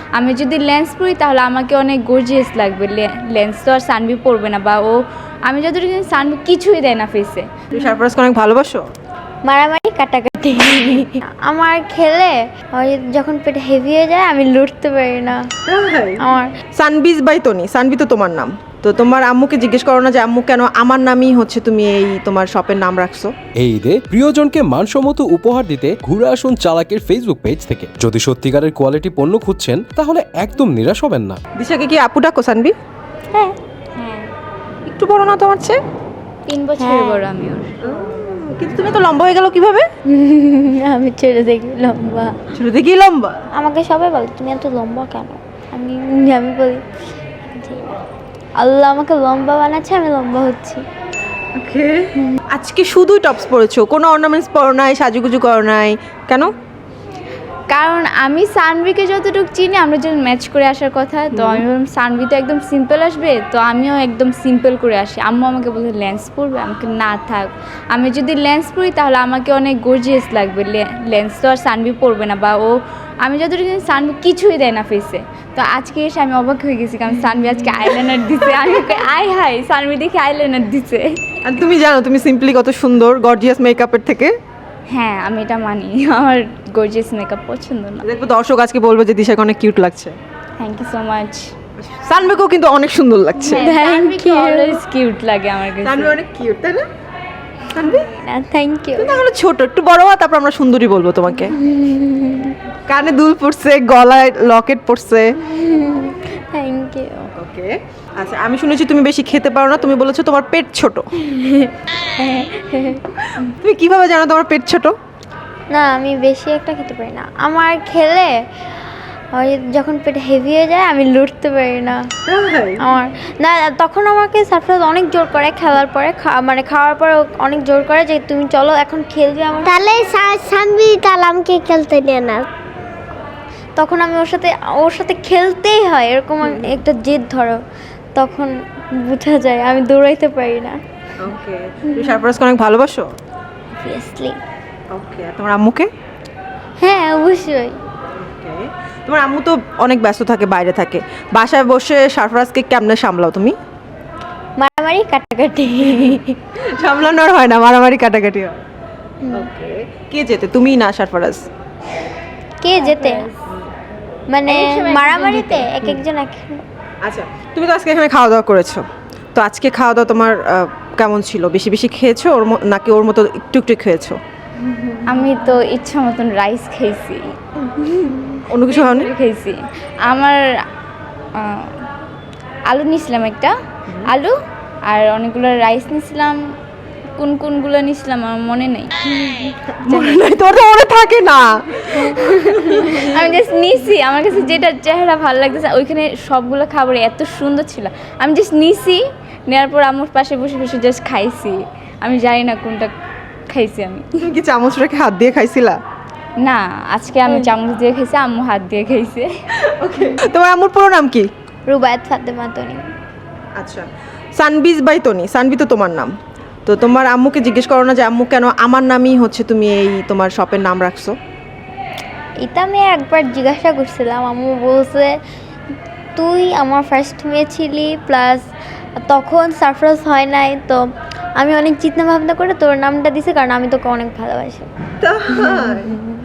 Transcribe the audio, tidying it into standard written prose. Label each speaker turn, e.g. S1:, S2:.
S1: আমি যদি লেন্স পরি তাহলে আমাকে অনেক গর্জিয়াস লাগবে। লেন্স তো আর সানভি পরবে না, বা ও আমি যতটুকু জানি সানভি কিছুই দেয় না ফেসে।
S2: তুমি সারফরাজকে অনেক ভালোবাসো?
S3: মারামারি কাটাকাটি আমার খেলে ওই যখন পেট হেভি হয়ে যায় আমি লড়তে পারি না। আমার
S2: সানবিজ বাই তনি, সানভি তো তোমার নাম। তো তোমার আম্মুকে জিজ্ঞেস করো না যে আম্মু কেন আমার নামই হচ্ছে তুমি এই তোমার শপের নাম রাখছো?
S4: এই ঈদে প্রিয়জনকে মানসম্মত উপহার দিতে ঘুরে আসুন চালাকের ফেসবুক পেজ থেকে। যদি সত্যিকারের কোয়ালিটি পণ্য খুঁজছেন তাহলে একদম নিরাশ হবেন না।
S2: দিশাকে কি আপু ডাকো সানভি?
S3: হ্যাঁ
S1: হ্যাঁ,
S2: একটু বড় না তোমার চেয়ে?
S1: 3 বছরের বড় আমি ওর।
S2: কিন্তু তুমি তো লম্বা হয়ে গেল কিভাবে?
S3: আমি ছেড়ে দেখি লম্বা।
S2: শুরু থেকেই লম্বা?
S3: আমাকে সবাই বলে তুমি এত লম্বা কেন। আমি আমি বলি যে আল্লাহ আমাকে লম্বা বানাচ্ছে, আমি লম্বা হচ্ছি।
S2: ওকে। আজকে শুধুই টপস পরেছো, কোনো অর্নামেন্টস পরো নাই, সাজুগুজু করো নাই কেন?
S1: কারণ আমি সানভিকে যতটুকু চিনি আমরা যখন ম্যাচ করে আসার কথা, তো আমি বললাম সানভি তো একদম সিম্পল আসবে, তো আমিও একদম সিম্পল করে আসি। আম্মু আমাকে বলে লেন্স পরবে, আমাকে না থাক, আমি যদি লেন্স পরি তাহলে আমাকে অনেক গর্জিয়াস লাগবে। লেন্স তো আর সানভি পরবে না, বা ও আমি যতটুকু জানি সানভি কিছুই দেয় না ফেসে। তো আজকে এসে আমি অবাক হয়ে গেছি, কারণ সানভি আজকে আইলাইনার দিছে। আমি আয় হাই সানভি দেখে আইলাইনার দিছে।
S2: আর তুমি জানো তুমি সিম্পলি কত সুন্দর গর্জিয়াস মেকআপের থেকে।
S1: হ্যাঁ, আমি এটা মানি, আমার গর্জিয়াস মেকআপ পছন্দ না।
S2: দেখবো দর্শক আজকে বলবো যে দিশাকে অনেক কিউট লাগছে।
S1: Thank you so much.
S2: সানভিকেও কিন্তু অনেক সুন্দর লাগছে।
S1: সানভিকে অলওয়েজ কিউট লাগে আমার কাছে।
S2: সানভি অনেক কিউট, তাই না? Sanvi
S3: thank you.
S2: তুমি তাহলে ছোট, একটু বড় হওয়া, তারপর আমরা সুন্দরী বলবো তোমাকে। কানে দুল পড়ছে, গলায় লকেট পড়ছে।
S3: Thank you.
S2: ওকে। আচ্ছা, আমি শুনেছি তুমি বেশি খেতে পারো না, তুমি বলেছো তোমার পেট ছোট। তুমি কিভাবে জানো তোমার পেট ছোট?
S3: না আমি বেশি একটা খেতে পারি না। আমার খেলে ওই যখন পেট হেভি হয়ে যায় আমি লড়তে পারি না। আমার না তখন আমাকে সারফরাজ অনেক জোর করে খেলার পরে, মানে খাওয়ার পরে অনেক জোর করে যে তুমি চলো এখন খেলবে আমার।
S5: তাহলে সানভি তাহলে আমাকে খেলতে নিয়ে না।
S3: তখন আমি ওর সাথে খেলতেই হয়, এরকম একটা জেদ ধরো, তখন বোঝা যায় আমি দৌড়াইতে পারি না।
S2: ওকে। তুমি সারপ্রাইজকে অনেক ভালোবাসো?
S3: অবভিয়াসলি।
S2: ওকে। আর তোমার আম্মুকে?
S3: হ্যাঁ অবশ্যই।
S2: ওকে। তোমার আম্মু তো অনেক ব্যস্ত থাকে, বাইরে থাকে, বাসায় বসে সারপ্রাইজকে কেমনে সামলাও তুমি?
S3: মারামারি কাটাকাটি।
S2: সামলানোর হয় না, মারামারি কাটাকাটি হয়। ওকে। কে যেতে, তুমি না সারপ্রাইজ?
S3: কে যেতে মানে মারামারিতে এক একজন এক।
S2: আচ্ছা, তুমি তো আজকে এখানে খাওয়া দাওয়া করেছো, তো আজকে খাওয়া দাওয়া তোমার কেমন ছিল? বেশি বেশি খেয়েছো নাকি ওর মতো একটু একটু খেয়েছো?
S1: আমি তো ইচ্ছা মতন রাইস খেয়েছি,
S2: অন্য কিছু হয়নি?
S1: খেয়েছি। আমার আলু নিয়েছিলাম, একটা আলু আর অনেকগুলো রাইস নিয়েছিলাম। কোনগুলো নিয়েছিলাম আমার মনে নেই।
S2: মনে নাই? তোর তো মনে থাকে না।
S1: আমি জাস্ট নিছি, আমার কাছে যেটা চেহারা ভালো লাগতেছে, ওইখানে সবগুলো খাবার এত সুন্দর ছিল, আমি জাস্ট নিছি, নেওয়ার পর আম্মুর পাশে বসে বসে জাস্ট খাইছি। আমি জানি না কোনটা খাইছি আমি।
S2: তুমি কি চামচ রেখে হাত দিয়ে খাইছিলা?
S1: না, আজকে আমি চামচ দিয়ে খাইছি, আম্মু হাত দিয়ে খাইছে।
S2: ওকে। তোমার আম্মুর পুরো নাম কি?
S3: রুবায়াত ফাতেমা তনি।
S2: আচ্ছা, সানবিজ বাই তনি, সানভি তো তোমার নাম। তো তোমার আম্মুকে জিজ্ঞেস করো না যে আম্মু কেন আমার নামই হচ্ছে তুমি এই তোমার শপের নাম রাখছো?
S3: এটা আমি একবার জিজ্ঞাসা করছিলাম, আম্মু বলছে তুই আমার ফার্স্ট মেয়ে ছিলি, প্লাস তখন সারপ্রাইজ হয় নাই, তো আমি অনেক চিন্তা ভাবনা করে তোর নামটা দিছি, কারণ আমি তোকে অনেক ভালোবাসি।